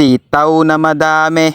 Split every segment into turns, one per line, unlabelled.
Sitaw na madami,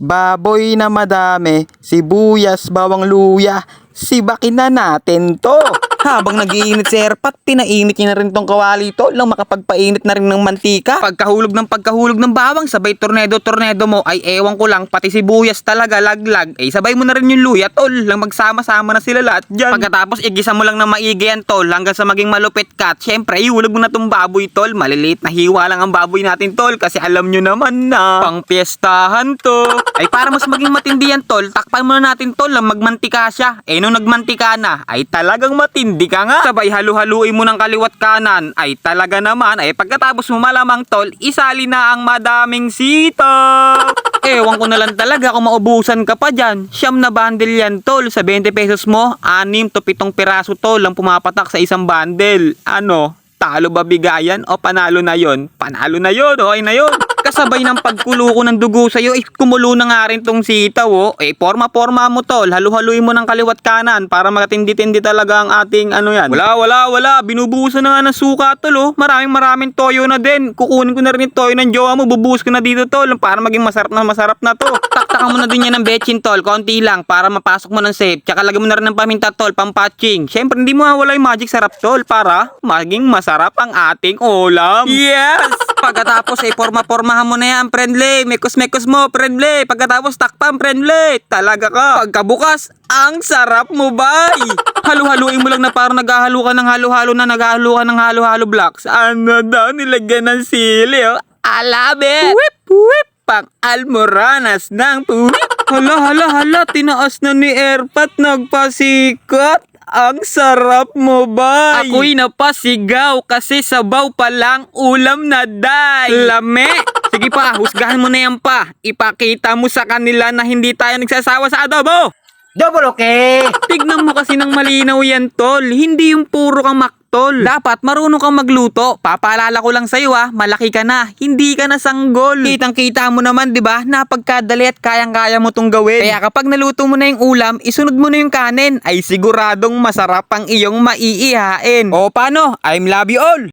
baboy na madami, sibuyas, bawang luya, sibakin na natin to. Habang nag-iinit si Erpat, pinainit niya na rin tong kawali to lang makapagpainit na rin ng mantika. Pagkahulog ng bawang, sabay tornado mo, ay ewan ko lang, pati sibuyas talaga laglag. Sabay mo na rin yung luya tol, lang magsama-sama na sila lahat dyan. Pagkatapos igisa mo lang ng maigi yan tol, hanggang sa maging malupit ka. Syempre, ihulog mo na tong baboy tol, maliliit na hiwa lang ang baboy natin tol, kasi alam nyo naman na pang piyestahan to. Ay para mas maging matindi yan tol, takpan muna natin tol lang magmantika siya. Nung nagmantika na, ay talagang matindi ka nga. Sabay halu-haluin mo ng kaliwat kanan, ay talaga naman, ay pagkatapos mo malamang tol, isali na ang madaming sitaw. Ewan ko na lang talaga kung maubusan ka pa dyan. Siyam na bundle yan tol, sa 20 pesos mo, 6 to 7 piraso tol lang pumapatak sa isang bundle. Ano? Talo ba bigayan o panalo na yon? Panalo na yon, okay na yon. Kasabay ng pagkulo ko ng dugo sa'yo, kumulo na nga rin tong sitaw, oh. Forma-forma mo tol, halu-haluin mo ng kaliwat kanan para makatindi-tindi talaga ang ating ano yan. Wala, binubuhusan na nga ng suka tol, oh. Maraming toyo na din. Kukunin ko na rin yung toyo ng jowa mo, bubuhos ko na dito tol, para maging masarap na to. Taktakan mo na din yan ng betchin tol, konti lang, para mapasok mo ng safe. Tsaka lagyan mo na rin ng paminta tol, pampatching. Syempre hindi mo mawala yung magic sarap tol, para maging masarap ang ating ulam. Yes! Pagkatapos forma-formahan mo na yan, friendly. Mekos-mekos mo, friendly. Pagkatapos takpan, friendly. Talaga ka. Pagkabukas, ang sarap mo, bay. Halu-haluin mo lang na parang naghahalo ka ng halo-halo blocks. Ano daw, nilagyan ng sili, oh. Alabe. Whip. Pang almoranas ng puwip. Hala, tinaas na ni Erpat, nagpasikat. Ang sarap mo, bay. Ako'y napasigaw kasi sabaw pa lang ulam na day. Lame. Sige pa, husgahan mo na yan pa. Ipakita mo sa kanila na hindi tayo nagsasawa sa adobo.
Double okay.
Tignan mo kasi ng malinaw yan, tol. Hindi yung puro kang maktol. Dapat marunong kang magluto. Papaalala ko lang sa'yo malaki ka na. Hindi ka na sanggol. Kitang-kita mo naman, di ba? Napagkadali at kayang-kaya mo tong gawin. Kaya kapag naluto mo na yung ulam, isunod mo na yung kanin. Ay siguradong masarap ang iyong maiihain. O paano? I'm love you all.